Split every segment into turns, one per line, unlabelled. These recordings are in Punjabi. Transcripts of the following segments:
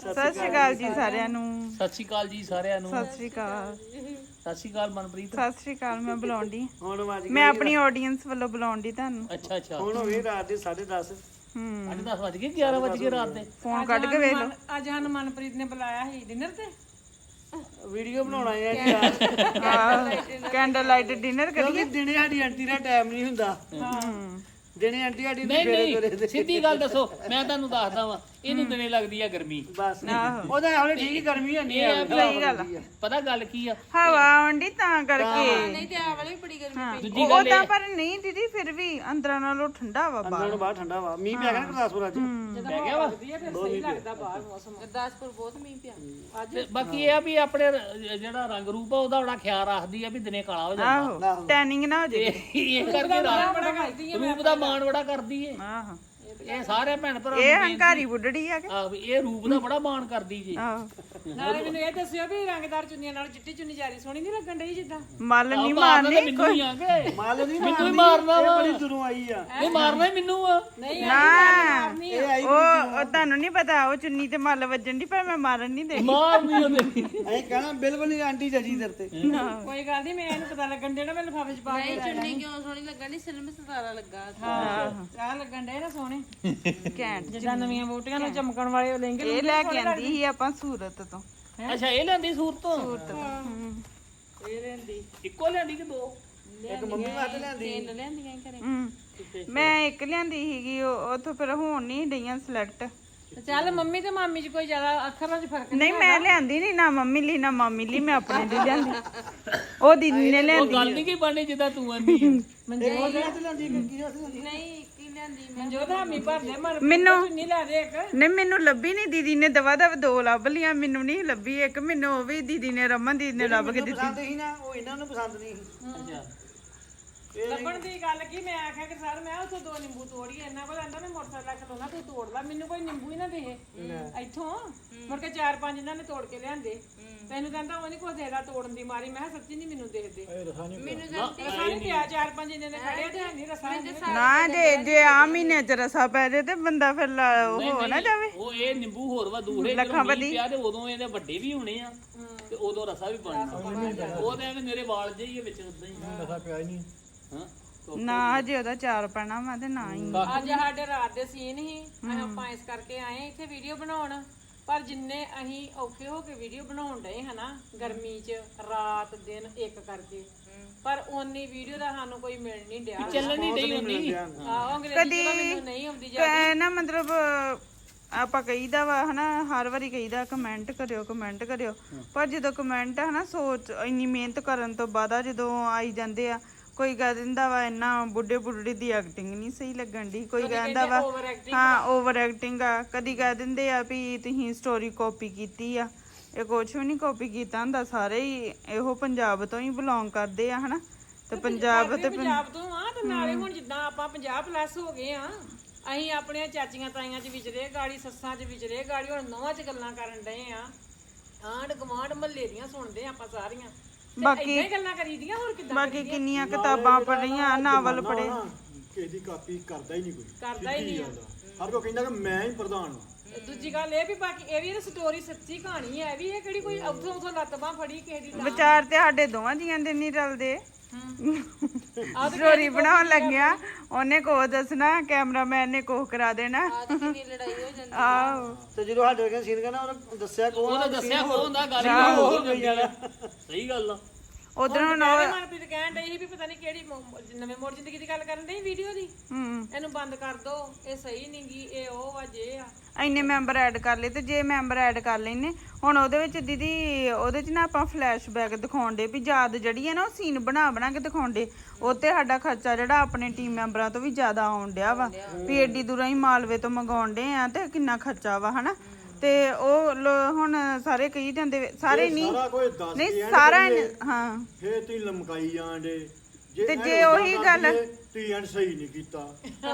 ਸਤਿ ਸ਼੍ਰੀ ਅਕਾਲ ਜੀ ਸਾਰਿਆਂ ਨੂੰ।
ਸਤਿ ਸ਼੍ਰੀ ਅਕਾਲ ਜੀ ਸਾਰਿਆਂ ਨੂੰ।
ਸਤਿ ਸ਼੍ਰੀ ਅਕਾਲ।
ਸਤਿ ਸ਼੍ਰੀ ਅਕਾਲ ਮਨਪ੍ਰੀਤ।
ਸਤਿ ਸ਼੍ਰੀ ਅਕਾਲ। ਮੈਂ ਬੁਲਾਉਂਦੀ
ਹੁਣ ਵੱਜ
ਮੈਂ ਆਪਣੀ ਆਡੀਅנס ਵੱਲੋਂ ਬੁਲਾਉਂਦੀ ਤੁਹਾਨੂੰ।
ਅੱਛਾ ਅੱਛਾ।
ਹੁਣ ਹੋ ਗਏ ਰਾਤ ਦੇ 10:30।
ਅੱਜ 10 ਵਜ ਗਏ 11 ਵਜ ਗਏ ਰਾਤ ਦੇ।
ਫੋਨ ਕੱਢ ਕੇ ਵੇਖ ਲਓ।
ਅੱਜ ਸਾਨੂੰ ਮਨਪ੍ਰੀਤ ਨੇ ਬੁਲਾਇਆ ਸੀ ਡਿਨਰ ਤੇ।
ਵੀਡੀਓ ਬਣਾਉਣਾ ਹੈ
ਕੈਂਡਲ ਲਾਈਟ ਡਿਨਰ
ਕਿਉਂਕਿ
ਕਰੀਏ।
ਦਿਨੇ ਸਾਡੀ ਆਂਟੀ ਦਾ ਟਾਈਮ ਨਹੀਂ ਹੁੰਦਾ। ਦਿਨੇ ਆਂਟੀ ਸਾਡੀ
ਨਹੀਂ
ਫੇਰੇ
ਨਹੀਂ
ਤੁਰੇ
ਸਿੱਧੀ ਗੱਲ ਦੱਸੋ, ਮੈਂ ਤੁਹਾਨੂੰ ਦੱਸਦਾ ਵਾਂ, ਇਹਨੂੰ ਦਿਨੇ ਲੱਗਦੀ ਆ ਗਰਮੀ।
ਬਸ
ਆਹੋ
ਉਹਦਾ ਹੁਣ ਠੀਕ ਹੀ ਗਰਮੀ ਹੈ ਨਹੀਂ
ਸਹੀ ਗੱਲ ਆ।
ਪਤਾ ਗੱਲ ਕੀ ਆ,
ਹਵਾ ਆਉਂਦੀ ਤਾਂ ਕਰਕੇ।
ਨਹੀਂ ਤੇ ਆ ਵਾਲੀ ਵੀ ਬੜੀ ਗਰਮੀ
ਦੂਜੀ ਗੱਲ
ਉਹਦਾ ਪਰ ਨਹੀਂ ਦੀਦੀ, ਫਿਰ ਵੀ ਅੰਦਰਾਂ ਨਾਲੋਂ ਠੰਡਾ ਵਾ ਬਾਹਰ।
ਅੰਦਰੋਂ ਬਾਹਰ ਠੰਡਾ ਵਾ। ਮੀਂਹ ਪਿਆ ਗਿਆ ਨਾ ਗੁਰਦਾਸਪੁਰ ਅੱਜ।
ਪੈ ਗਿਆ ਵਾ।
ਫਿਰ ਸਹੀ ਲੱਗਦਾ ਬਾਹਰ ਮੌਸਮ। ਗੁਰਦਾਸਪੁਰ ਬਹੁਤ ਮੀਂਹ ਪਿਆ ਅੱਜ।
ਤੇ ਬਾਕੀ ਇਹ ਆ ਵੀ ਆਪਣੇ ਜਿਹੜਾ ਰੰਗ ਰੂਪ ਆ ਉਹਦਾ ਬੜਾ ਖਿਆਲ ਰੱਖਦੀ ਆ ਵੀ ਦਿਨੇ ਕਾਲਾ ਹੋ ਜਾਂਦਾ।
ਆਹੋ ਟੈਨਿੰਗ ਨਾ ਹੋ ਜੇ।
ਇਹ ਕਰਕੇ ਰੂਪ ਦਾ ਮਾਣ ਬੜਾ ਕਰਦੀ ਏ।
ਆਹੋ
ਇਹ ਸਾਰੇ ਭੈਣ ਭਰਾ
ਇਹ ਹੰਕਾਰੀ ਬੁੱਢੜੀ ਆ ਕੇ।
ਆਹ ਇਹ ਰੂਪ ਦਾ ਬੜਾ ਮਾਣ ਕਰਦੀ ਜੀ।
ਆਹੋ
ਨਾਲੇ ਮੈਨੂੰ ਇਹ ਦੱਸਿਓ ਵੀ ਰੰਗਦਾਰ ਚੁੰਨੀਆਂ ਨਾਲ ਚਿੱਟੀ ਚੁੰਨੀ ਜਾਰੀ ਸੋਹਣੀ ਨਹੀਂ ਲੱਗਣ ਡਈ ਜਿੱਦਾਂ।
ਮੱਲ ਨਹੀਂ
ਮਾਰਨਾ
ਮਾਰਨੀ
ਤਾਂ ਮੈਨੂੰ ਹੀ ਆ ਕੇ।
ਮਾਲ ਨਹੀਂ
ਮੈਨੂੰ ਹੀ ਮਾਰਨਾ ਵਾ।
ਬੜੀ ਦੂਰੋਂ ਆਈ ਆ।
ਇਹ ਮਾਰਨਾ ਹੀ ਮੈਨੂੰ ਆ।
ਨਹੀਂ
ਨਾ
ਇਹ ਆਈ
ਉਹ ਤੁਹਾਨੂੰ ਨਹੀਂ ਪਤਾ, ਉਹ ਚੁੰਨੀ ਤੇ ਮੱਲ ਵੱਜਣ ਦੀ, ਪਰ ਮੈਂ ਮਾਰਨ ਨਹੀਂ ਦੇਣੀ।
ਮਾਰਨੀ ਉਹਨੇ।
ਅਸੀਂ ਕਹਿਣਾ ਬਿਲਕੁਲ ਨਹੀਂ ਆਂਟੀ ਜੱਜੀ ਦਰ ਤੇ।
ਕੋਈ ਗੱਲ ਨਹੀਂ, ਮੈਂ ਇਹਨੂੰ ਪਤਾ ਲੱਗਣ ਦੇਣਾ, ਮੈਂ ਲਿਫਾਫੇ ਚ ਪਾ ਕੇ
ਚੁੰਨੀ ਕਿਉਂ ਸੋਹਣੀ ਲੱਗਣ ਦੀ ਸਿਲਮ ਸਤਾਰਾ ਲੱਗਾ।
ਚਾਹ ਲੱਗਣ ਡੇ ਨਾ ਸੋਹਣੇ
ਘੈਂਟ।
ਜਿੱਦਾਂ ਨਵੀਆਂ ਬੂਟੀਆਂ ਨੂੰ ਚਮਕਣ ਵਾਲੇ ਲਹਿੰਗੇ
ਇਹ ਲੈ ਕੇ ਆਂਦੀ ਸੀ ਆਪਾਂ ਸੂਰਤ ਤੋਂ।
ਅੱਛਾ ਇਹ ਲੈਂਦੀ ਸੂਰਤ ਤੋਂ।
ਇਹ ਲੈਂਦੀ
ਇੱਕੋ ਲੈਂਦੀ ਕਿ ਦੋ?
ਇੱਕ ਮੰਮੀ ਵਾਸਤੇ ਲਿਆਂਦੀ।
ਤਿੰਨ ਲਿਆਂਦੀਆਂ ਘਰੇ।
ਮੈਂ ਇੱਕ ਲਿਆਂਦੀ ਸੀਗੀ, ਉੱਥੋਂ ਫਿਰ ਹੋਣ ਨਹੀਂ ਡਈਆਂ ਸਿਲੈਕਟ।
ਤੇ ਚੱਲ ਮੰਮੀ ਤੇ ਮਾਮੀ ਚ ਕੋਈ ਜ਼ਿਆਦਾ ਅੱਖਰਾਂ ਚ ਫਰਕ
ਨਹੀਂ ਮੈਂ ਲਿਆਂਦੀ ਨਹੀਂ, ਨਾ ਮੰਮੀ ਲਈ ਨਾ ਮਾਮੀ ਲਈ, ਮੈਂ ਆਪਣੇ ਲਈ ਲਿਆਂਦੀ। ਉਹ ਦੀਦੀ ਨੇ
ਉਹ
ਲਿਆਂਦੀ।
ਗੱਲ ਨਹੀਂ ਕੀ ਬਣਨੀ ਜਿੱਦਾਂ ਤੂੰ ਆਂਦੀ ਆ।
ਇੱਕ ਉਹਦੇ ਵਾਸਤੇ ਲਿਆਂਦੀ, ਇੱਕ ਕੀ ਵਾਸਤੇ ਲਿਆਂਦੀ।
ਨਹੀਂ ਇੱਕ ਹੀ ਲਿਆਂਦੀ ਮੈਂ।
ਮਨਜੋਤ ਹਾਮੀ ਭਰਦੇ ਮਰ
ਮੈਨੂੰ
ਚੁੰਨੀ ਲੈ ਦੇ ਇੱਕ।
ਨਹੀਂ ਮੈਨੂੰ ਲੱਭੀ ਨਹੀਂ, ਦੀਦੀ ਨੇ ਦਵਾ ਦਵ ਦੋ ਲੱਭ ਲੀਆਂ, ਮੈਨੂੰ ਨਹੀਂ ਲੱਭੀ ਇੱਕ। ਮੈਨੂੰ ਉਹ ਵੀ ਦੀਦੀ ਨੇ, ਰਮਨ ਦੀਦੀ ਨੇ ਲੱਭ ਕੇ ਦਿੱਤੀ।
ਪਸੰਦ ਸੀ ਨਾ, ਉਹ ਇਹਨਾਂ ਨੂੰ ਪਸੰਦ ਨਹੀਂ ਸੀ।
ਅੱਛਾ
ਲੱਭਣ ਦੀ ਗੱਲ ਕੀ, ਮੈਂ ਆਖਿਆ ਕਿ ਸਰ ਮੈਂ ਉੱਥੋਂ ਦੋ ਨਿੰਬੂ ਤੋੜੀਏ, ਇਹਨਾਂ ਕੋਲ ਆਂਦਾ ਮੈਂ ਮੋਟਰਸਾਈਕਲ ਖਲੋਣਾ, ਤੂੰ ਤੋੜ ਲਾ। ਮੈਨੂੰ ਕੋਈ ਨਿੰਬੂ ਹੀ ਨਾ ਦੇ ਇੱਥੋਂ। ਮੁੜ ਕੇ 4-5 ਇਹਨਾਂ ਨੇ ਤੋੜ ਕੇ ਲਿਆਂਦੇ। ਤੈਨੂੰ ਕਹਿੰਦਾ ਉਹ ਨਹੀਂ ਕੁਝ ਦੇਦਾ ਤੋੜਨ ਦੀ ਮਾਰੀ। ਮੈਂ ਕਿਹਾ ਸੱਚੀ ਨਹੀਂ ਮੈਨੂੰ ਦੇਖਦੇ।
ਮੈਨੂੰ ਗਲਤੀ
ਰਸਾ ਨਹੀਂ ਪਿਆ, 5-5 ਇਹਨੇ ਖੜਿਆ ਤੇ ਨਹੀਂ ਰਸਾ।
ਨਾ ਜੇ ਆ ਮਹੀਨੇ ਚ ਰਸਾ ਪੈ ਜੇ ਤੇ ਬੰਦਾ ਫਿਰ ਉਹ ਹੋ ਨਾ ਜਾਵੇ।
ਉਹ ਇਹ ਨਿੰਬੂ ਹੋਰ ਵਾ ਦੂਰੇ
ਲੱਖਾਂ
ਜਦੋਂ ਮੀਂਹ ਪਿਆ ਤੇ ਉਦੋਂ ਇਹਦੇ ਵੱਡੇ ਵੀ ਹੋਣੇ ਆ ਤੇ ਉਦੋਂ ਰਸਾ ਵੀ ਬਣਨਾ। ਉਹ ਤੇ ਐਵੇਂ ਮੇਰੇ ਵਾਲ ਜਿਹੇ ਹੀ ਆ ਵਿੱਚ ਉਦਾਂ ਹੀ।
ਰਸਾ ਪਿਆ ਹੀ ਨਹੀਂ।
ਹਾਂ
ਨਾ ਜੇ ਉਹਦਾ ਚਾਰ ਪੈਣਾ ਵਾ ਤੇ ਨਾ ਹੀ।
ਅੱਜ ਸਾਡੇ ਰਾਤ ਦੇ ਸੀਨ ਹੀ ਆਪਾਂ ਇਸ ਕਰਕੇ ਆਏ ਇੱਥੇ ਵੀਡੀਓ ਬਣਾਉਣ। ਪਰ ਜਿੰਨੇ ਅਸੀਂ ਔਖੇ ਹੋ ਕੇ ਵੀਡੀਓ ਬਣਾਉਣ ਡਏ ਹਨਾ ਗਰਮੀ 'ਚ, ਰਾਤ ਦਿਨ ਇੱਕ ਕਰਕੇ, ਪਰ ਓਨੀ ਵੀਡੀਓ ਦਾ ਸਾਨੂੰ ਕੋਈ ਮਿਲ ਨਹੀਂ ਡਿਆ।
ਚੱਲਣ ਨਹੀਂ ਡਈ ਹੁੰਦੀ।
ਆਹੋ ਅੰਗਰੇਜ਼ੀ ਤਾਂ ਮੈਨੂੰ ਨਹੀਂ ਆਉਂਦੀ ਜਾ।
ਨਾ ਮਤਲਬ ਆਪਾਂ ਕਹੀਦਾ ਵਾ ਹਨਾ, ਹਰ ਵਾਰੀ ਕਹੀਦਾ ਕਮੈਂਟ ਕਰਿਓ ਕਮੈਂਟ ਕਰਿਓ, ਪਰ ਜਦੋਂ ਕਮੈਂਟ ਹਨਾ ਸੋਚ ਇੰਨੀ ਮਿਹਨਤ ਕਰਨ ਤੋਂ ਬਾਅਦ ਜਦੋਂ ਆਈ ਜਾਂਦੇ ਆ, ਕੋਈ ਕਹਿ ਦਿੰਦਾ ਵਾ ਇੰਨਾ ਬੁੱਢੇ ਬੁੱਢੜੀ ਦੀ ਐਕਟਿੰਗ ਨਹੀਂ ਸਹੀ ਲੱਗਣ ਦੀ, ਕੋਈ ਕਹਿੰਦਾ ਵਾ ਹਾਂ ਓਵਰ ਐਕਟਿੰਗ ਆ, ਕਦੀ ਕਹਿ ਦਿੰਦੇ ਆ ਵੀ ਤੁਸੀਂ ਸਟੋਰੀ ਕਾਪੀ ਕੀਤੀ ਆ। ਇਹ ਕੁਛ ਵੀ ਨਹੀਂ ਕਾਪੀ ਕੀਤਾ ਹੁੰਦਾ, ਸਾਰੇ ਹੀ ਇਹੋ ਪੰਜਾਬ ਤੋਂ ਹੀ ਬਿਲੋਂਗ ਕਰਦੇ ਆ ਹਨਾ। ਤੇ ਪੰਜਾਬ ਤੇ
ਪੰਜਾਬ ਤੋਂ ਆ ਤੇ ਨਾਲੇ ਹੁਣ ਜਿੱਦਾਂ ਆਪਾਂ 50+ ਹੋ ਗਏ ਆ, ਅਸੀਂ ਆਪਣੇ ਚਾਚੀਆਂ ਤਾਈਆਂ 'ਚ ਵਿਚਰੇ, ਗਾੜੀ ਸੱਸਾਂ 'ਚ ਵਿਚਰੇ, ਗਾੜੀ ਹੁਣ ਨੌਵਾਂ 'ਚ ਗੱਲਾਂ ਕਰਨ ਡਏ ਆ। ਆਂਢ ਗੁਆਂਢ ਮਹੱਲੇ ਦੀਆਂ ਸੁਣਦੇ ਆਪਾਂ ਸਾਰੀਆਂ। ਬਾਕੀ ਗੱਲਾਂ ਕਰੀਦੀਆਂ ਹੋਰ ਕਿੱਦਾਂ।
ਬਾਕੀ ਕਿੰਨੀਆਂ ਕਿਤਾਬਾਂ ਪੜ੍ਹੀਆਂ, ਨਾਵਲ ਪੜ੍ਹੇ।
ਕਿਸੇ ਦੀ ਕਾਪੀ ਕਰਦਾ ਹੀ ਨਹੀਂ ਕੋਈ।
ਕਰਦਾ ਹੀ ਨਹੀਂ।
ਹਰ ਕੋਈ ਕਹਿੰਦਾ ਕਿ ਮੈਂ ਹੀ ਪ੍ਰਧਾਨ ਹਾਂ।
ਦੂਜੀ ਗੱਲ ਇਹ ਵੀ ਬਾਕੀ ਇਹ ਵੀ ਸਟੋਰੀ ਸੱਚੀ ਕਹਾਣੀ ਹੈ ਵੀ। ਇਹ ਕਿਹੜੀ ਕੋਈ ਉੱਥੋਂ ਲੱਤ ਬਾਂਹ ਫੜੀ ਕਿਸੇ ਦੀ।
ਵਿਚਾਰ ਤੇ ਸਾਡੇ ਦੋਵਾਂ ਜੀਆਂ ਦੇ ਨਹੀਂ ਰਲਦੇ। ਸਟੋਰੀ ਬਣਾਉਣ ਲੱਗਿਆ ਉਹਨੇ ਕੋ ਦੱਸਣਾ, ਕੈਮਰਾਮੈਨ ਨੇ ਕੋਹ ਕਰਾ ਦੇਣਾ।
ਕਿੰਨੀ ਲੜਾਈ ਹੋ ਜਾਂਦੀ।
ਆਹੋ
ਤੇ ਜਦੋਂ ਸਾਡੇ ਵਰਗੇ ਸੀਨ ਕਰਨਾ ਉਹਨੇ ਦੱਸਿਆ ਕੋਣ
ਉਹਨੇ ਦੱਸਿਆ ਕੋ ਹੁੰਦਾ ਗੱਲ ਹੀ ਹੋਰ ਹੋ ਜਾਣੀ। ਸਹੀ ਗੱਲ ਆ।
ਉਧਰੋਂ
ਮਨਪ੍ਰੀਤ ਕਹਿਣ ਡਈ ਸੀ ਵੀ ਪਤਾ ਨਹੀਂ ਕਿਹੜੀ ਨਵੇਂ ਮੋੜ ਜ਼ਿੰਦਗੀ ਦੀ ਗੱਲ ਕਰਨ ਡਈ ਵੀਡੀਓ ਦੀ। ਇਹਨੂੰ ਬੰਦ ਕਰ ਦੋ, ਇਹ ਸਹੀ ਨਹੀਂ ਗੀ, ਇਹ ਉਹ ਵਾ ਜੇ ਆ।
ਇੰਨੇ ਮੈਂਬਰ ਐਡ ਕਰ ਲਏ, ਤੇ ਜੇ ਮੈਂਬਰ ਐਡ ਕਰ ਲੈਨੇ ਹੁਣ ਉਹਦੇ ਵਿੱਚ ਦੀਦੀ, ਉਹਦੇ 'ਚ ਨਾ ਆਪਾਂ ਫਲੈਸ਼ਬੈਕ ਦਿਖਾਉਂਦੇ ਵੀ ਯਾਦ ਜਿਹੜੀ ਹੈ ਨਾ, ਉਹ ਸੀਨ ਬਣਾ ਬਣਾ ਕੇ ਦਿਖਾਉਂਦੇ। ਉਹ ਤੇ ਸਾਡਾ ਖਰਚਾ ਜਿਹੜਾ ਆਪਣੇ ਟੀਮ ਮੈਂਬਰਾਂ ਤੋਂ ਵੀ ਜ਼ਿਆਦਾ ਆਉਣ ਡਿਆ ਵਾ ਵੀ ਏਡੀ ਦੂਰੋਂ ਹੀ ਮਾਲਵੇ ਤੋਂ ਮੰਗਾਉਣ ਡੇ ਆ ਤੇ ਕਿੰਨਾ ਖਰਚਾ ਵਾ ਹਨਾ। ਤੇ ਉਹ ਹੁਣ ਸਾਰੇ ਕਹੀ ਜਾਂਦੇ, ਸਾਰੇ ਨਹੀਂ ਨਹੀਂ ਸਾਰਾ ਹਾਂ
ਫੇਰ ਤੁਸੀਂ ਲਮਕਾਈ ਜਾਂਦੇ।
ਤੇ ਜੇ ਉਹੀ ਗੱਲ
ਤੁਸੀਂ ਐਂਡ ਸਹੀ ਨਹੀਂ ਕੀਤਾ।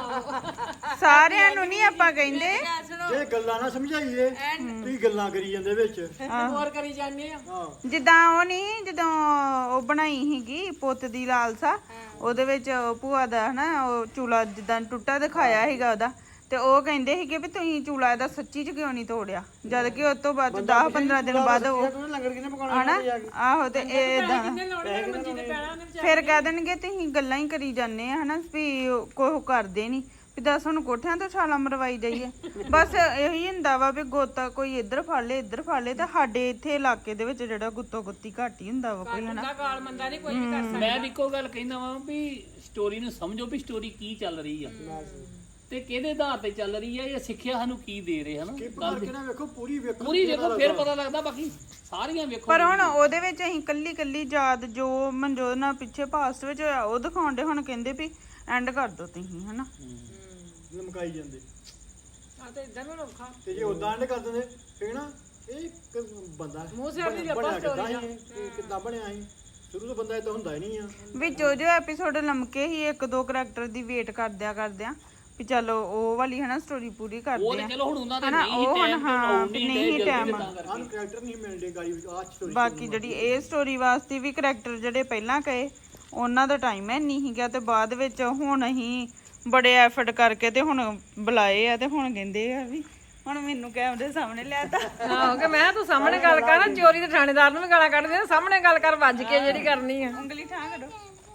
ਸਾਰਿਆਂ ਨੂੰ ਨਹੀਂ ਆਪਾਂ ਕਹਿੰਦੇ।
ਜੇ ਗੱਲਾਂ ਨਾ ਸਮਝਾਈਏ ਤੁਸੀਂ ਗੱਲਾਂ ਕਰੀ ਜਾਂਦੇ ਵਿੱਚ।
ਹੋਰ ਕਰੀ ਜਾਂਦੇ ਆ।
ਜਿੱਦਾਂ ਉਹ ਨਹੀਂ, ਜਦੋਂ ਉਹ ਬਣਾਈ ਸੀਗੀ ਪੁੱਤ ਦੀ ਲਾਲਸਾ, ਉਹਦੇ ਵਿੱਚ ਭੂਆ ਦਾ ਹਨਾ ਉਹ ਚੂਲਾ ਜਿੱਦਾਂ ਟੁੱਟਾ ਦਿਖਾਇਆ ਸੀਗਾ ਉਹਦਾ, ਤੇ ਉਹ ਕਹਿੰਦੇ ਸੀਗੇ ਵੀ ਤੁਸੀਂ ਚੂਲਾ ਇਹਦਾ ਸੱਚੀ ਚ ਕਿਉਂ ਨਹੀਂ ਤੋੜਿਆ, ਜਦ ਕਿ ਉਸ ਤੋਂ ਬਾਅਦ 10-15 ਦਿਨ ਬਾਅਦ ਉਹ
ਤੂੰ ਲੰਗਰ ਕਿਨੇ ਪਕਾਉਣਾ
ਹਨਾ ਆਹੋ ਤੇ ਇਹ ਏਦਾਂ
ਕਿੰਨੇ ਲਾਉਣੇ ਮੰਜੀ ਤੇ ਪੈਣਾ ਉਹਨੇ
ਫਿਰ ਕਹਿ ਦੇਣਗੇ ਤੁਸੀਂ ਗੱਲਾਂ ਹੀ ਕਰੀ ਜਾਂਦੇ ਆ ਹਨਾ ਵੀ ਕੋਈ ਕਰਦੇ ਨਹੀਂ ਵੀ ਦੱਸ ਹੁਣ ਕੋਠਿਆਂ ਤੋਂ ਛਾਲਾਂ ਮਰਵਾਈ ਜਾਈਏ। ਬਸ ਇਹੀ ਹੁੰਦਾ ਵਾ ਵੀ ਗੋਤਾ ਕੋਈ ਇੱਧਰ ਫੜ ਲੇ ਇੱਧਰ ਫੜ ਲੇ, ਤੇ ਸਾਡੇ ਇੱਥੇ ਇਲਾਕੇ ਦੇ ਵਿੱਚ ਜਿਹੜਾ ਗੁੱਤੋ ਗੁੱਤੀ ਘੱਟ ਹੀ ਹੁੰਦਾ ਵਾ ਕੋਈ ਹਨਾ।
ਦਾ ਗਾਲ ਮੰਦਾ ਨਹੀਂ ਕੋਈ ਵੀ ਕਰ ਸਕਦਾ।
ਮੈਂ ਇੱਕੋ ਗੱਲ ਕਹਿੰਦਾ ਵਾਂ ਵੀ ਸਟੋਰੀ ਨੂੰ ਸਮਝੋ ਵੀ ਸਟੋਰੀ ਕੀ ਚੱਲ ਰਹੀ ਆ ਤੇ ਕਿਹਦੇ ਆਧਾਰ ਤੇ ਚੱਲ ਰਹੀ ਆ, ਇਹ ਸਿੱਖਿਆ ਸਾਨੂੰ ਕੀ ਦੇ ਰਹੇ ਹਨਾ।
ਕਿ ਕਰਕੇ ਨਾ ਵੇਖੋ ਪੂਰੀ ਵੇਖੋ
ਪੂਰੀ ਵੇਖੋ ਫਿਰ ਪਤਾ ਲੱਗਦਾ, ਬਾਕੀ ਸਾਰੀਆਂ ਵੇਖੋ।
ਪਰ ਹੁਣ ਉਹਦੇ ਵਿੱਚ ਅਸੀਂ ਕੱਲੀ ਕੱਲੀ ਯਾਦ ਜੋ ਮਨਜੋਤ ਨਾਲ ਪਿੱਛੇ ਪਾਸਟ ਵਿੱਚ ਹੋਇਆ ਉਹ ਦਿਖਾਉਂਦੇ, ਹੁਣ ਕਹਿੰਦੇ ਵੀ ਐਂਡ ਕਰ ਦੋ ਤੁਸੀਂ ਹਨਾ।
ਲਮਕਾਈ ਜਾਂਦੇ
ਆ ਤੇ ਇਦਾਂ ਨੂੰ ਔਖਾ
ਤੇ ਜੇ ਉਦਾਂ ਐਂਡ ਕਰ ਦਿੰਦੇ ਫੇਰ ਨਾ ਇਹ ਇੱਕ ਬੰਦਾ
ਮੂੰਹ ਸਿਰ ਦੀ
ਬਣਿਆ
ਆਪਾਂ
ਕਿੱਦਾਂ ਸੀ ਇਹ ਕਿੱਦਾਂ ਬਣਿਆ ਸੀ, ਸ਼ੁਰੂ ਤੋਂ ਬੰਦਾ ਇਦਾਂ ਹੁੰਦਾ ਹੀ ਨਹੀਂ ਆ।
ਵਿੱਚੋਂ ਜੋ ਐਪੀਸੋਡ ਲੰਮਕੇ ਹੀ ਇੱਕ ਦੋ ਕਰੈਕਟਰ ਦੀ ਵੇਟ ਕਰਦਿਆਂ ਵੀ ਚਲੋ ਉਹ ਵਾਲੀ ਹਨਾ ਸਟੋਰੀ ਪੂਰੀ
ਉਹ
ਕਰਦੇ
ਤੇ
ਆ
ਚਲੋ ਹੁਣ ਉਹਨਾਂ ਦੇ
ਹਨਾ।
ਨਹੀਂ
ਉਹ ਹੁਣ
ਟਾਈਮ
ਹਾਂ
ਤੇ
ਨਹੀਂ ਟਾਈਮ
ਆਹ ਕੈਰੈਕਟਰ ਨਹੀਂ ਮਿਲਦੇ ਗਾੜੀ ਵਿੱਚ ਆਹ ਸਟੋਰੀ
ਬਾਕੀ ਜਿਹੜੀ ਇਹ ਸਟੋਰੀ ਵਾਸਤੇ ਵੀ ਕਰੈਕਟਰ ਜਿਹੜੇ ਪਹਿਲਾਂ ਕਹੇ ਉਹਨਾਂ ਦਾ ਟਾਈਮ ਹੈ ਨਹੀਂ ਸੀਗਾ, ਤੇ ਬਾਅਦ ਵਿੱਚ ਹੁਣ ਅਸੀਂ ਬੜੇ ਐਫਰਟ ਕਰਕੇ ਤੇ ਹੁਣ ਬੁਲਾਏ ਆ, ਤੇ ਹੁਣ ਕਹਿੰਦੇ ਆ ਵੀ ਹੁਣ ਮੈਨੂੰ ਕੈਮਰੇ ਸਾਹਮਣੇ ਲਿਆਤਾ।
ਆਹੋ ਕਿ ਮੈਂ ਤੂੰ ਸਾਹਮਣੇ ਗੱਲ ਕਰ ਨਾ, ਚੋਰੀ ਦੇ ਥਾਣੇਦਾਰ ਨੂੰ ਵੀ ਗਾਲਾਂ ਕੱਢਦੇ ਆ, ਸਾਹਮਣੇ ਗੱਲ ਕਰ ਵੱਜ ਕੇ ਜਿਹੜੀ ਕਰਨੀ ਆ।
ਉਂਗਲੀ ਠਾਂ ਕਰੋ।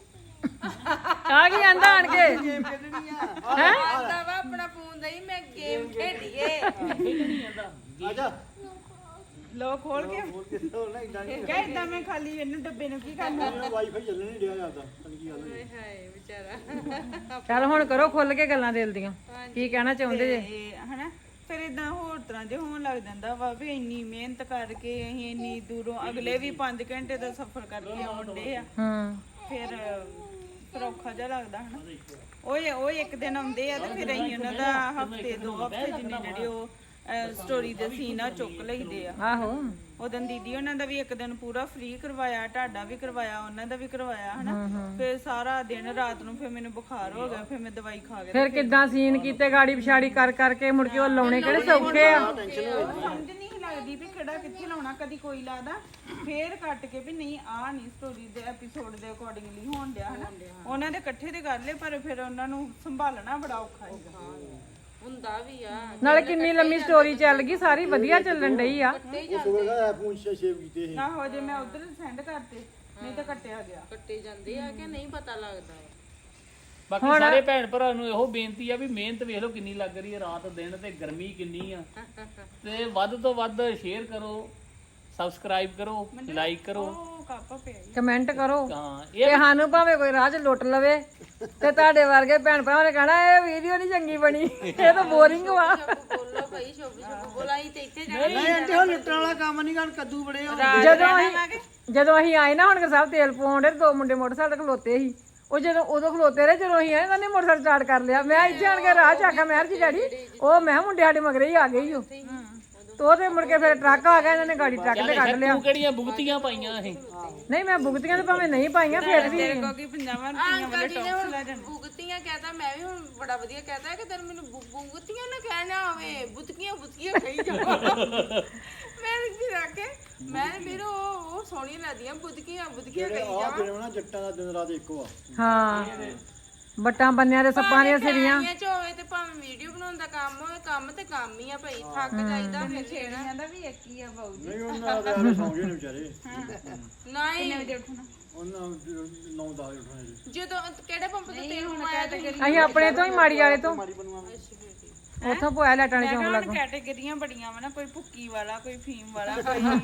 ਆ ਕੀ ਆਂਦਾ ਆਣ ਕੇ
ਆਂਦਾ ਵਾ ਆਪਣਾ ਫੋਨ ਦਈ ਮੈਂ ਗੇਮ ਖੇਡੀਏ।
ਆਜਾ
ਲੋ ਖੋਲ ਕੇ
ਹੋਰ ਕਿਸੇ ਹੋਰ ਨਾ ਇਦਾਂ ਨਹੀਂ
ਕਹਿ ਇਦਾਂ ਮੈਂ ਖਾਲੀ ਇਹਨੂੰ ਡੱਬੇ ਨੂੰ ਕੀ ਕਰਨਾ।
ਵਾਈਫਾਈ ਚੱਲਣ ਨਹੀਂ ਡਿਆ ਜਾਂਦਾ ਪਤਾ ਨੀ ਕੀ ਗੱਲ ਹੋਈ।
ਹਾਏ ਵਿਚਾਰਾ।
ਚੱਲ ਹੁਣ ਕਰੋ ਖੁੱਲ ਕੇ ਗੱਲਾਂ ਦਿਲ ਦੀਆਂ, ਕੀ ਕਹਿਣਾ ਚਾਹੁੰਦੇ ਜੇ?
ਤੇ ਹਨਾ ਫਿਰ ਇਦਾਂ ਹੋਰ ਤਰ੍ਹਾਂ ਜੇ ਹੋਣ ਲੱਗ ਜਾਂਦਾ ਵਾ ਵੀ ਇੰਨੀ ਮਿਹਨਤ ਕਰਕੇ ਅਸੀਂ ਇੰਨੀ ਦੂਰੋਂ ਅਗਲੇ ਵੀ 5 ਘੰਟੇ ਦਾ ਸਫ਼ਰ ਕਰਕੇ ਆਉਂਦੇ ਆ, ਫਿਰ ਔਖਾ ਜਿਹਾ ਲੱਗਦਾ ਹਨਾ। ਉਹ ਇੱਕ ਦਿਨ ਆਉਂਦੇ ਆ ਤੇ ਫਿਰ ਅਸੀਂ ਉਹਨਾਂ ਦਾ ਹਫਤੇ 2 ਹਫਤੇ ਜਿੰਨੇ ਜਿਹੜੇ ਉਹ ਸਟੋਰੀ ਦੇ ਸੀਨ ਆ ਚੁੱਕ ਲਈਦੇ ਆ।
ਆਹੋ
ਉਦੋਂ ਦੀਦੀ ਉਹਨਾਂ ਦਾ ਵੀ ਇੱਕ ਦਿਨ ਪੂਰਾ ਫ੍ਰੀ ਕਰਵਾਇਆ, ਢਾਡਾ ਵੀ ਕਰਵਾਇਆ, ਉਹਨਾਂ ਦਾ ਵੀ ਕਰਵਾਇਆ ਹਨਾ। ਫਿਰ ਸਾਰਾ ਦਿਨ ਰਾਤ ਨੂੰ ਫਿਰ ਮੈਨੂੰ ਬੁਖਾਰ ਹੋ ਗਿਆ, ਫਿਰ ਮੈਂ ਦਵਾਈ ਖਾ ਕੇ
ਫਿਰ ਕਿੱਦਾਂ ਸੀਨ ਕੀਤੇ ਗਾੜੀ ਪਿਛਾੜੀ ਕਰ ਕਰਕੇ ਮੁੜ ਕੇ ਉਹ ਲਾਉਣੇ ਕਿਹੜੇ ਸੌਖੇ ਆ।
ਸਮਝ ਨਹੀਂ ਲੱਗਦੀ ਵੀ ਕਿਹੜਾ ਕਿੱਥੇ ਲਾਉਣਾ, ਕਦੀ ਕੋਈ ਲਾਦਾ ਫੇਰ ਕੱਟ ਕੇ ਵੀ ਨਹੀਂ ਆਹ ਨਹੀਂ ਸਟੋਰੀ ਦੇ ਐਪੀਸੋਡ ਦੇ ਅਕੋਰਡਿੰਗਲੀ ਹੋਣ ਡਿਆ ਹਨਾ। ਉਹਨਾਂ ਦੇ ਇਕੱਠੇ ਦੇ ਕਰ ਲਏ, ਪਰ ਫਿਰ ਉਹਨਾਂ ਨੂੰ ਸੰਭਾਲਣਾ ਬੜਾ ਔਖਾ ਹੈਗਾ।
ਹੁੰਦਾ ਵੀ ਆ।
ਨਾਲੇ ਕਿੰਨੀ ਲੰਮੀ ਸਟੋਰੀ ਚੱਲ ਗਈ, ਸਾਰੀ ਵਧੀਆ ਚੱਲਣ ਡਈ ਆ।
ਸੁਬਹ ਦਾ ਫੋਨ ਸੇਵ ਕੀਤੇ ਸੀ
ਆਹੋ ਜੇ ਮੈਂ ਉਧਰ ਸੈਂਡ ਕਰਤੇ ਨਹੀਂ ਤਾਂ ਕੱਟਿਆ ਗਿਆ।
ਕੱਟੇ ਜਾਂਦੇ ਆ ਕਿ ਨਹੀਂ ਪਤਾ ਲੱਗਦਾ।
ਬਾਕੀ ਸਾਰੇ ਭੈਣ ਭਰਾ ਨੂੰ ਇਹੋ ਬੇਨਤੀ ਆ ਵੀ ਮਿਹਨਤ ਵੇਖ ਲਓ ਕਿੰਨੀ ਲੱਗ ਰਹੀ ਹੈ, ਰਾਤ ਦਿਨ ਤੇ ਗਰਮੀ ਕਿੰਨੀ ਆ, ਤੇ ਵੱਧ ਤੋਂ ਵੱਧ ਸ਼ੇਅਰ ਕਰੋ, ਸਬਸਕ੍ਰਾਈਬ ਕਰੋ, ਲਾਈਕ ਕਰੋ,
ਉਹ ਕੱਪ ਪਿਆ ਈ।
ਕਮੈਂਟ ਕਰੋ
ਹਾਂ
ਤੇ ਸਾਨੂੰ ਭਾਵੇਂ ਕੋਈ ਰਾਹ 'ਚ ਲੁੱਟ ਲਵੇ ਤੇ ਤੁਹਾਡੇ ਵਰਗੇ ਭੈਣ ਭਰਾਵਾਂ ਨੇ ਕਹਿਣਾ ਇਹ ਵੀਡੀਓ ਨਹੀਂ ਚੰਗੀ ਬਣੀ, ਇਹ ਤਾਂ ਬੋਰਿੰਗ ਵਾ।
ਬੋਲੋ ਭਾਈ ਸ਼ੁਭ ਬੋਲਾਈ ਤੇ ਇੱਥੇ ਜਾ
ਨਹੀਂ ਆਂਟੀ ਉਹ ਲੁੱਟਣ ਵਾਲਾ ਕੰਮ ਨਹੀਂ ਕਰ, ਕੱਦੂ ਬੜੇ ਹੋ
ਜਦੋਂ ਅਸੀਂ ਆਏ ਨਾ ਹੁਣ ਸਾਹਿਬ ਤੇਲ ਪਾਉਂਦੇ, 2 ਮੁੰਡੇ ਮੋਟਰਸਾਈਕਲ ਤੇ ਖਲੋਤੇ ਸੀ। ਉਹ ਜਦੋਂ ਉਦੋਂ ਖਲੋਤੇ ਰਹੇ, ਜਦੋਂ ਅਸੀਂ ਆਏ ਇਹਨਾਂ ਨੇ ਮੋਟਰਸਾਈਕਲ ਸਟਾਰਟ ਕਰ ਲਿਆ। ਮੈਂ ਇੱਥੇ ਆਣ ਕੇ ਰਾਹ 'ਚ ਆਖਿਆ ਮੈਂ ਜੀ ਡੈਡੀ ਉਹ ਮੈਂ ਮੁੰਡੇ ਸਾਡੇ ਮਗਰੇ ਹੀ ਆ ਗਏ ਹੀ ਉਹ ਤੇ ਮੁੜ ਕੇ ਫਿਰ ਟਰੱਕ ਆ ਗਿਆ, ਇਹਨਾਂ ਨੇ ਗਾੜੀ ਟਰੱਕ ਤੇ ਕੱਢ ਲਿਆ।
ਤੂੰ ਕਿਹੜੀਆਂ ਭੁਗਤੀਆਂ ਪਾਈਆਂ ਇਹ?
ਨਹੀਂ ਮੈਂ ਭੁਗਤੀਆਂ ਤੇ ਭਾਵੇਂ ਨਹੀਂ ਪਾਈਆਂ ਫਿਰ ਵੀ
ਕਿਉਂਕਿ 50 ਰੁਪਈਆ ਵਾਲੇ
ਜੀ ਨੇ ਹੁਣ ਬੁਗਤੀਆਂ ਕਹਤਾ, ਮੈਂ ਵੀ ਹੁਣ ਬੜਾ ਵਧੀਆ ਕਹਤਾ ਕਿ ਤੈਨੂੰ ਮੈਨੂੰ ਬੁਗਤੀਆਂ ਨਾ ਕਹਿਣਾ ਹੋਵੇ, ਬੁਤਕੀਆਂ ਕਹੀ ਜਾਓ। ਮੈਂ ਵੀ ਰੱਖੇ ਮੈਂ ਵੀਰੋ ਉਹ ਸੋਹਣੀਆਂ ਲੱਗਦੀਆਂ ਬੁਤਕੀਆਂ ਕਹੀ
ਆਹ
ਜਾਓ।
ਫਿਲਮ ਨਾ ਜੱਟਾਂ ਦਾ ਦਿਨ ਰਾਤ ਇੱਕੋ ਆ।
ਹਾਂ ਬੱਟਾਂ ਬੰਨਿਆਂ ਦੇ ਸੱਪਾਂ ਦੀਆਂ ਸਿਰੀਆਂ
ਚ ਹੋਵੇ ਤੇ ਭਾਵੇਂ ਵੀਡੀਓ ਬਣਾਉਣ ਦਾ ਕੰਮ ਹੋਵੇ, ਕੰਮ ਤੇ ਕੰਮ ਹੀ ਆ ਭਾਈ, ਥੱਕ ਜਾਈਦਾ ਫਿਰ ਛੇੜਿਆਂ
ਦਾ ਵੀ ਇੱਕ ਹੀ ਆ ਬਾਊ ਜੀ।
ਨਹੀਂ ਉਹਨਾਂ ਦੇ ਯਾਰ ਸੌਂ ਗਏ ਨੇ ਵਿਚਾਰੇ
ਨਹੀਂ
ਉਹਨਾਂ 9-10 ਉੱਠਣੇ ਜੀ
ਜਦੋਂ ਕਿਹੜੇ ਪੰਪ ਤੋਂ ਤੇਲ ਪਾਇਆ ਤੇ
ਅਸੀਂ ਆਪਣੇ ਤੋਂ ਹੀ ਮਾੜੀ ਵਾਲੇ ਤੋਂ ਉੱਥੋਂ ਪੋਇਆ ਲੈਟਾਣੇ ਚੌਂਕ ਲੱਗ
ਕੈਟੇਗਰੀਆਂ ਬੜੀਆਂ ਵਾ ਨਾ, ਕੋਈ ਭੁੱਕੀ ਵਾਲਾ, ਕੋਈ ਫੀਮ ਵਾਲਾ,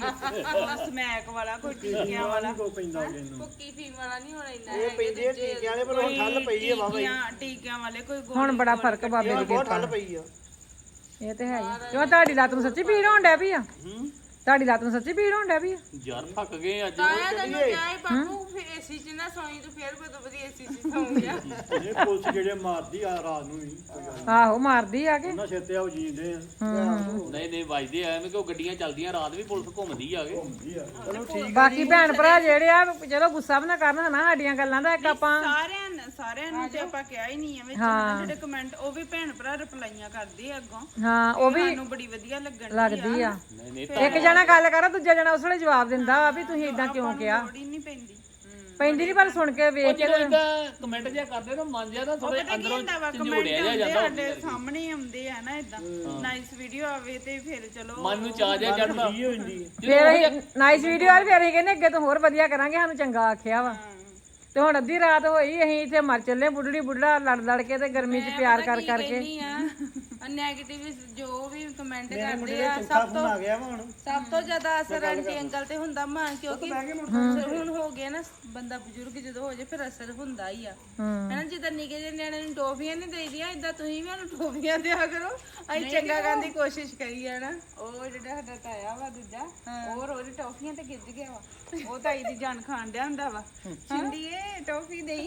ਕੋਈ ਸਮੈਕ ਵਾਲਾ, ਕੋਈ ਟੀਕਿਆਂ ਵਾਲਾ।
ਕੋ ਪੈਂਦਾ ਅੱਗੇ ਨੂੰ
ਭੁੱਕੀ ਫੀਮ ਵਾਲਾ ਨਹੀਂ ਹੋਣਾ ਇੰਨਾ
ਇਹ ਪੈਂਦੀ ਹੈ ਟੀਕਿਆਂ ਵਾਲੇ, ਪਰ ਹੁਣ ਠੱਲ ਪਈ ਹੈ ਵਾਵਾ
ਟੀਕਿਆਂ ਵਾਲੇ, ਕੋਈ
ਹੁਣ ਬੜਾ ਫਰਕ ਬਾਬੇ ਦੀ
ਬਹੁਤ ਠੱਲ ਪਈ ਆ।
ਇਹ ਤੇ ਹੈ ਹੀ। ਕਿਉਂ ਤੁਹਾਡੀ ਲੱਤ ਨੂੰ ਸੱਚੀ ਪੀੜ ਹੋਣ ਡੈ ਪਈ ਆ? ਤੁਹਾਡੀ ਲੱਤ ਨੂੰ ਸੱਚੀ ਪੀੜ ਹੋਣ ਡੈ ਪਈ ਆ?
ਯਾਰ ਥੱਕ ਗਏ ਅੱਜ।
ਤਾਇਆ ਤੈਨੂੰ ਕਿਹਾ ਹੈ ਬਾਪੂ ਏਸੀ ਚ ਨਾ ਸੌਈ ਤੂੰ ਫੇਰ ਬਦੋ ਬਦੀ ਏਸੀ ਚ ਸੌਂ ਗਿਆ।
ਇਹ ਪੁਲਿਸ ਜਿਹੜੇ ਮਾਰਦੀ ਆ ਰਾਤ ਨੂੰ ਵੀ ਕੋਈ ਗੱਲ ਨੀ।
ਆਹੋ ਮਾਰਦੀ ਆ ਕੇ
ਉਹਨਾਂ ਸਿਰ ਤੇ ਆਉ ਜੀਂਦੇ ਆ
ਨਹੀਂ ਵੱਜਦੇ ਆ ਐਵੇਂ, ਕਿਉਂ ਗੱਡੀਆਂ ਚੱਲਦੀਆਂ ਰਾਤ ਵੀ ਪੁਲਿਸ ਘੁੰਮਦੀ ਆ ਕੇ।
ਚਲੋ ਠੀਕ
ਬਾਕੀ ਭੈਣ ਭਰਾ ਜਿਹੜੇ ਆ ਚਲੋ ਗੁੱਸਾ ਵੀ ਨਾ ਕਰਨ ਹਨਾ ਸਾਡੀਆਂ ਗੱਲਾਂ ਦਾ। ਇੱਕ ਆਪਾਂ
ਸਾਰਿਆਂ ਨੂੰ ਤੇ ਆਪਾਂ ਕਿਹਾ ਹੀ ਨਹੀਂ ਆ ਵਿੱਚ ਹਨਾ, ਜਿਹੜੇ ਕਮੈਂਟ ਉਹ ਵੀ ਭੈਣ ਭਰਾ ਰਿਪਲਾਈਆਂ ਕਰਦੇ ਆ ਅੱਗੋਂ,
ਹਾਂ ਉਹ ਵੀ
ਸਾਨੂੰ ਬੜੀ ਵਧੀਆ
ਲੱਗਦੀ ਆ।
ਨਹੀਂ
ਇੱਕ ਜਣਾ ਗੱਲ ਕਰਾ ਦੂਜਾ ਜਣਾ ਉਸ ਵੇਲੇ ਜਵਾਬ ਦਿੰਦਾ ਵਾ ਵੀ ਤੁਸੀਂ ਇਦਾਂ ਕਿਉਂ ਕਿਹਾ।
ਲੋੜ ਹੀ ਨਹੀਂ ਪੈਂਦੀ।
ਪੈਂਦੀ ਨਹੀਂ ਪਰ ਸੁਣ ਕੇ ਵੇਖ ਕੇ
ਜਦੋਂ ਇਦਾਂ ਕਮੈਂਟ ਜਿਹਾ ਕਰਦੇ ਨਾ ਮਨ ਜਿਹਾ ਨਾ ਥੋੜੇ ਅੰਦਰੋਂ
ਕਮੈਂਟ
ਝੰਜੋੜਿਆ ਜਿਹਾ ਜਾਂਦਾ
ਸਾਡੇ ਸਾਹਮਣੇ ਹੀ ਆਉਂਦੇ ਆ ਨਾ ਇਦਾਂ ਨਾਈਸ ਵੀਡੀਓ ਆਵੇ ਤੇ ਫਿਰ ਚਲੋ
ਮਨ ਨੂੰ ਚਾਹ ਜਿਹਾ ਚੜਦਾ
ਕੀ ਹੋ ਜਾਂਦੀ ਹੈ
ਫਿਰ ਅਸੀਂ ਨਾਈਸ ਵੀਡੀਓ ਆ ਫਿਰ ਅਸੀਂ ਕਹਿੰਦੇ ਅੱਗੇ ਤੋਂ ਹੋਰ ਵਧੀਆ ਕਰਾਂਗੇ ਸਾਨੂੰ ਚੰਗਾ ਆਖਿਆ ਵਾ ਤੇ ਹੁਣ ਅੱਧੀ ਰਾਤ ਹੋਈ ਅਸੀਂ ਇੱਥੇ ਮਰ ਚੱਲੇ ਬੁੱਢੜੀ ਬੁੱਢੜਾ ਲੜ ਕੇ ਤੇ ਗਰਮੀ 'ਚ ਪਿਆਰ ਕਰ ਕਰਕੇ
ਨੈਗੇਟਿਵ ਜੋ ਵੀ ਕਮੈਂਟ
ਮੇਰੇ ਮੁੰਡੇ
ਕਰਦੇ
ਦਾ
ਆ
ਚੌਥਾ ਫੋਨ ਆ ਗਿਆ ਵਾ ਹੁਣ
ਸਭ ਤੋਂ ਜ਼ਿਆਦਾ ਅਸਰ ਆਂਟੀ ਅੰਕਲ ਤੇ ਹੁੰਦਾ ਮਾਂ ਕਿਉਂਕਿ ਹੁਣ ਹੋ ਗਿਆ ਨਾ ਬੰਦਾ ਬਜ਼ੁਰਗ ਜਦੋਂ ਹੋ ਜਾਏ ਫਿਰ ਅਸਰ ਹੁੰਦਾ ਹੀ ਆ ਹਨਾ ਜਿੱਦਾਂ ਨਿੱਕੇ ਜਿਹੇ ਨਿਆਣੇ ਨੂੰ ਟੋਫੀਆਂ ਨਹੀਂ ਦੇਈਦੀਆਂ ਇਦਾਂ ਤੁਸੀਂ ਵੀ ਉਹਨੂੰ ਟੋਫੀਆਂ ਦਿਆ ਕਰੋ ਅਸੀਂ ਚੰਗਾ ਕਰਨ ਦੀ ਕੋਸ਼ਿਸ਼ ਕਰੀਏ ਨਾ
ਉਹ ਜਿਹੜਾ ਸਾਡਾ ਤਾਇਆ ਵਾ ਦੂਜਾ ਉਹ ਰੋਜ਼ ਟੌਫੀਆਂ ਤੇ ਗਿੱਜ ਗਿਆ ਵਾ ਉਹ ਤਾਈ ਦੀ ਜਾਨ ਖਾਣ ਡਿਆ ਹੁੰਦਾ ਵਾ ਸਿੰਦੀਏ ਟੌਫੀ ਦੇਈ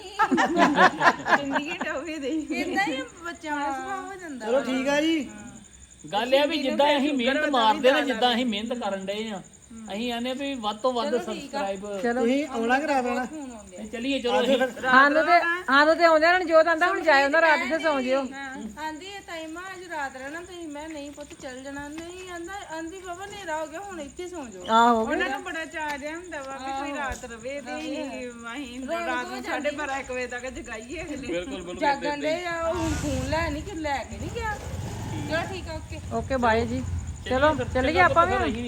ਸਿੰਦੀਏ ਟੌਫੀ ਦੇਈ
ਇਦਾਂ ਹੀ ਬੱਚਿਆਂ ਦਾ ਸੁਭਾਅ ਹੋ ਜਾਂਦਾ
ਚਲੋ ਠੀਕ ਆ ਜੀ
ਗੱਲ ਇਹ ਆ ਵੀ ਜਿੱਦਾਂ ਅਸੀਂ ਮਿਹਨਤ ਮਾਰਦੇ ਨਾ ਜਿੱਦਾਂ ਅਸੀਂ ਮਿਹਨਤ ਕਰਨ ਡਏ ਆ ਅਸੀਂ ਆਨੇ ਵੀ ਵੱਧ ਤੋਂ ਵੱਧ ਸਬਸਕ੍ਰਾਈਬ
ਤੁਸੀਂ ਆਉਣਾ ਕਿ ਰਾਤ ਆਉਣਾ
ਚੱਲੀਏ ਚਲੋ ਅਸੀਂ
ਸਾਨੂੰ ਤੇ ਆਉਂਦੇ ਨੇ ਜੋਤ ਆਂਦਾ ਹੁਣ ਜਾਇਓ ਨਾ ਰਾਤ ਤੇ ਸੌਂ ਜਿਓ
ਆਂਦੀ ਇਹ ਟਾਈਮ ਆ ਅੱਜ ਰਾਤ ਰਹਿਣਾ ਤੁਸੀਂ ਮੈਂ ਨਹੀਂ ਪੁੱਤ ਚੱਲ ਜਾਣਾ ਨਹੀਂ ਆਂਦੀ ਬਾਬਾ ਹਨੇਰਾ ਹੋ ਗਿਆ ਹੁਣ ਇੱਥੇ ਸੌਂ ਜਾਓ
ਆਹੋ
ਉਹਨਾਂ ਨੂੰ ਬੜਾ ਚਾਅ ਜਿਹਾ ਹੁੰਦਾ ਵਾ ਵੀ ਕੋਈ ਰਾਤ ਰਵੇ ਤੇ ਅਸੀਂ ਰਾਤ ਨੂੰ 12:30 1 ਵਜੇ ਤੱਕ ਜਗਾਈਏ ਅਗਲੇ
ਬਿਲਕੁਲ
ਜਾਗਣ ਦੇ ਆ ਉਹ ਫੋਨ ਲੈ ਕੇ ਨਹੀਂ ਗਿਆ ਚਲੋ ਠੀਕ ਆ ਓਕੇ
ਓਕੇ ਬਾਏ ਜੀ ਚਲੋ ਚੱਲੀਏ ਆਪਾਂ ਵੀ ਹੁਣ।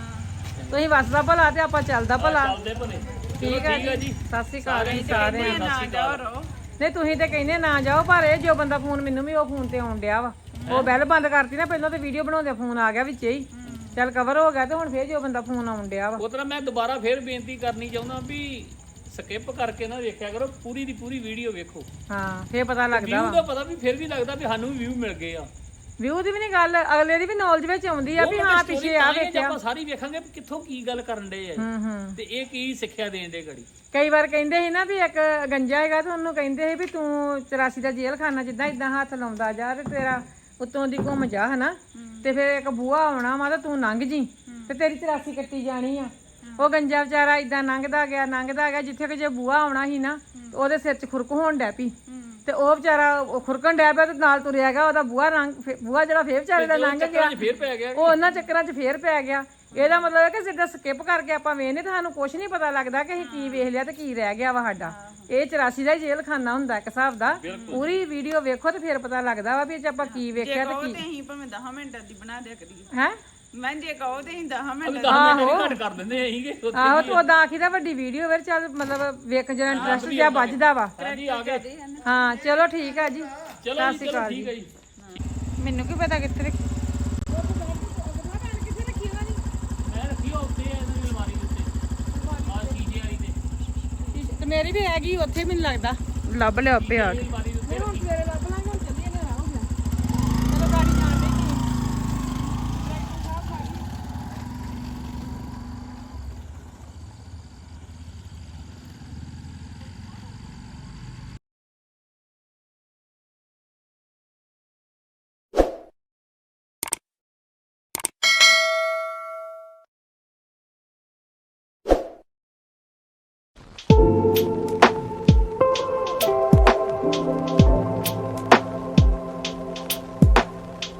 ਤੁਸੀਂ ਵਸਦਾ ਭਲਾ ਤੇ ਆਪਾਂ ਚੱਲਦਾ ਭਲਾ
ਚੱਲਦੇ ਭਲੇ
ਠੀਕ ਹੈ ਜੀ ਸਤਿ ਸ਼੍ਰੀ ਅਕਾਲ ਜੀ ਸਾਰਿਆਂ ਨੂੰ
ਨਾ ਜਾਓ ਰੋ
ਨਹੀਂ ਤੁਸੀਂ ਤੇ ਕਹਿੰਦੇ ਨਾ ਜਾਓ ਪਰ ਇਹ ਜੋ ਬੰਦਾ ਫੋਨ ਮੈਨੂੰ ਵੀ ਉਹ ਫੋਨ ਤੇ ਆਉਣ ਡਿਆ ਵਾ ਉਹ ਬੈਲ ਬੰਦ ਕਰਤੀ ਨਾ ਪਹਿਲਾਂ ਤੇ ਵੀਡੀਓ ਬਣਾਉਂਦੇ ਫੋਨ ਆ ਗਿਆ ਵਿੱਚੇ ਹੀ ਚੱਲ ਕਵਰ ਹੋ ਗਿਆ ਤੇ ਹੁਣ ਫੇਰ ਜੋ ਬੰਦਾ ਫੋਨ ਆਉਣ ਡਿਆ ਵਾ
ਉਹ ਤਰ੍ਹਾਂ ਮੈਂ ਦੁਬਾਰਾ ਫੇਰ ਬੇਨਤੀ ਕਰਨੀ ਚਾਹੁੰਦਾ ਵੀ ਸਕਿਪ ਕਰਕੇ ਨਾ ਵੇਖਿਆ ਕਰੋ ਪੂਰੀ ਦੀ ਪੂਰੀ ਵੀਡੀਓ ਵੇਖੋ
ਹਾਂ ਫੇਰ ਪਤਾ ਲੱਗਦਾ
ਵਿਊ
ਵਾ
ਦਾ ਪਤਾ ਵੀ ਫਿਰ ਵੀ ਲੱਗਦਾ ਵੀ ਸਾਨੂੰ ਵੀ ਵਿਊ ਮਿਲ ਗਏ ਆ
ਵਿਊ ਦੀ ਵੀ ਨਹੀਂ ਗੱਲ ਅਗਲੇ ਦੀ ਵੀ ਨੌਲੇਜ ਵਿੱਚ ਆਉਂਦੀ ਆ ਵੀ ਹਾਂ ਪਿੱਛੇ ਆ ਵੇਖਿਆ
ਆਪਾਂ ਸਾਰੀ ਵੇਖਾਂਗੇ ਵੀ ਕਿੱਥੋਂ ਕੀ ਗੱਲ ਕਰਨ ਦੇ ਆ ਤੇ ਇਹ ਕੀ ਸਿੱਖਿਆ ਦੇਣ ਦੇ ਗੜੀ
ਕਈ ਵਾਰ ਕਹਿੰਦੇ ਸੀ ਨਾ ਵੀ ਇੱਕ ਗੰਜਾ ਹੈਗਾ ਤੇ ਉਹਨੂੰ ਕਹਿੰਦੇ ਸੀ ਵੀ ਤੂੰ 84 ਦਾ ਜੇਲ੍ਹ ਖਾਨਾ ਜਿੱਦਾਂ ਇਦਾਂ ਹੱਥ ਲਾਉਂਦਾ ਜਾ ਤੇ ਤੇਰਾ ਉੱਤੋਂ ਦੀ ਘੁੰਮ ਜਾ ਹਨਾ ਤੇ ਫਿਰ ਇੱਕ ਬੂਹਾ ਆਉਣਾ ਵਾ ਤੇ ਤੂੰ ਲੰਘ ਜੀ ਤੇ ਤੇਰੀ 84 ਕੱਟੀ ਜਾਣੀ ਆ ਉਹ ਗੰਜਾ ਵਿਚਾਰਾ ਇਦਾਂ ਲੰਘਦਾ ਗਿਆ ਜਿੱਥੇ ਕਿ ਜੇ ਬੂਹਾ ਆਉਣਾ ਸੀ ਨਾ ਉਹਦੇ ਸਿਰ 'ਚ ਖੁਰਕ ਹੋਣ ਡੈ ਪਈ ਤੇ ਉਹ ਵਿਚਾਰਾ ਖੁਰਕਣ ਡੈ ਪਿਆ ਤੇ ਨਾਲ ਤੁਰਿਆ ਗਿਆ ਉਹਦਾ ਬੂਹਾ ਜਿਹੜਾ ਫੇਰ ਵਿਚਾਰੇ ਦਾ ਲੰਘ ਗਿਆ
ਫੇਰ ਪੈ ਗਿਆ
ਉਹ ਉਹਨਾਂ ਚੱਕਰਾਂ 'ਚ ਫੇਰ ਪੈ ਗਿਆ ਇਹਦਾ ਮਤਲਬ ਹੈ ਕਿ ਜਿੱਦਾਂ ਸਕਿਪ ਕਰਕੇ ਆਪਾਂ ਵੇਖਨੇ ਤਾਂ ਸਾਨੂੰ ਕੁਝ ਨਹੀਂ ਪਤਾ ਲੱਗਦਾ ਕਿ ਅਸੀਂ ਕੀ ਵੇਖ ਲਿਆ ਤੇ ਕੀ ਰਹਿ ਗਿਆ ਵਾ ਸਾਡਾ ਇਹ 84 ਦਾ ਹੀ ਜੇਲ੍ਹ ਖਾਨਾ ਹੁੰਦਾ ਇੱਕ ਹਿਸਾਬ ਦਾ ਪੂਰੀ ਵੀਡੀਓ ਵੇਖੋ ਤੇ ਫਿਰ ਪਤਾ ਲੱਗਦਾ ਵਾ ਵੀ ਇਹ 'ਚ ਆਪਾਂ ਕੀ ਵੇਖਿਆ ਤੇ
ਤੇ
ਕੀ
ਅਸੀਂ ਭਾਵੇਂ 10 ਮਿੰਟਾਂ ਦੀ ਬਣਾ ਦਿਆ ਕਰੀਏ
ਹੈ
ਮੈਂ ਜੇ ਕਹੋ ਤੇ ਅਸੀਂ 10 ਮਿੰਟ
10 ਮਿੰਟ ਘੱਟ ਕਰ ਦਿੰਦੇ ਸੀਗੇ
ਆਹੋ ਤੇ ਉਦਾਂ ਆਖੀਦਾ ਵੱਡੀ ਵੀਡੀਓ ਫਿਰ ਚੱਲ ਮਤਲਬ ਵੇਖ ਜਿਹੜਾ ਇੰਟਰਸਟ ਜਿਹਾ ਵੱਜਦਾ ਵਾ
ਹਾਂਜੀ ਆ ਗਏ
ਹਾਂ ਚਲੋ ਠੀਕ ਆ ਜੀ
ਚਲੋ ਜੀ ਚਲੋ ਠੀਕ ਹੈ ਜੀ
ਮੈਨੂੰ ਕੀ ਪਤਾ ਕਿੱਥੇ ਰੱਖੀ
ਮੈਂ ਰੱਖੀ ਆ ਉੱਤੇ ਇਹਨਾਂ ਦੀ ਅਲਮਾਰੀ ਦੇ ਉੱਤੇ ਆ ਚੀਜ਼ੇ ਵਾਲੀ ਤੇ
ਤੇ ਮੇਰੀ ਵੀ ਹੈਗੀ ਉੱਥੇ ਮੈਨੂੰ ਲੱਗਦਾ
ਲੱਭ ਲਿਆ ਆਪੇ ਆ ਕੇ
ਅਲਮਾਰੀ ਦੇ ਉੱਤੇ ਰੱਖੀ
ਸਵੇਰੇ ਲੱਭ ਲਾਂਗੇ ਹੁਣ ਚੱਲੀਏ ਨੇ ਹੋ ਗਿਆ ਚਲੋ ਗਾੜੀ ਜਾਣ ਦੇ
Thank you.